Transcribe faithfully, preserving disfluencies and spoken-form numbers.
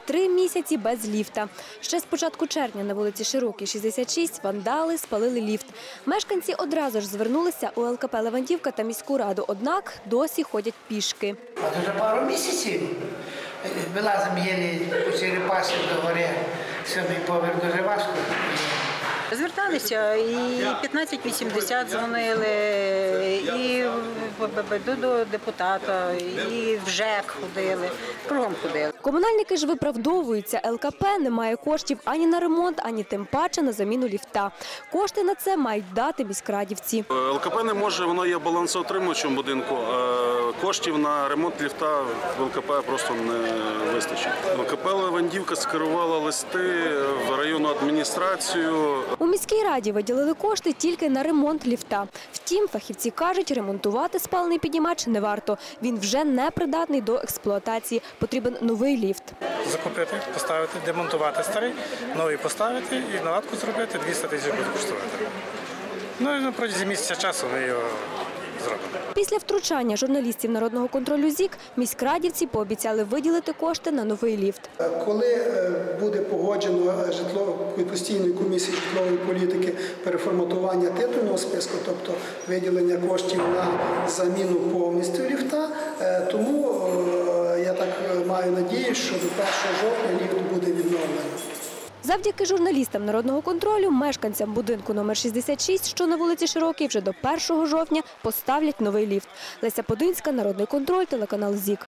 три місяці без ліфта. Ще з початку червня на вулиці Широкій, шістдесят шість, вандали спалили ліфт. Мешканці одразу ж звернулися у ЛКП «Левандівка» та міську раду, однак досі ходять пішки. А вже пару місяців вилазимо єлі по черепашці до гори, сьомий поверх дуже важко. Зверталися і п'ятнадцять вісімдесят дзвонили, і до депутата, і в ЖЕК ходили, кругом ходили. Комунальники ж виправдовуються. ЛКП не має коштів ані на ремонт, ані тим паче на заміну ліфта. Кошти на це мають дати міськрадівці. ЛКП не може, воно є балансоутримувачем будинку. Коштів на ремонт ліфта в ЛКП просто не вистачить. ЛКП «Левандівка» скерувала листи в районну адміністрацію. У міській раді виділили кошти тільки на ремонт ліфта. Втім, фахівці кажуть, ремонтувати спалений піднімач не варто. Він вже не придатний до експлуатації. Потрібен новий ліфт. Закупити, поставити, демонтувати старий, новий поставити і наладку зробити, двісті тисяч буде коштувати. Ну і на протязі місяця часу ми його зробимо. Після втручання журналістів Народного контролю ЗІК міськрадівці пообіцяли виділити кошти на новий ліфт. Коли буде погоджено житловою постійною комісією житлової політики переформатування титульного списку, тобто виділення коштів на заміну повністю ліфта, тому я так маю надію, що до першого жовтня ліфт буде відновлений. Завдяки журналістам Народного контролю мешканцям будинку номер шістдесят шість, що на вулиці Широкій, вже до першого жовтня поставлять новий ліфт. Леся Подинська, Народний контроль, телеканал ЗІК.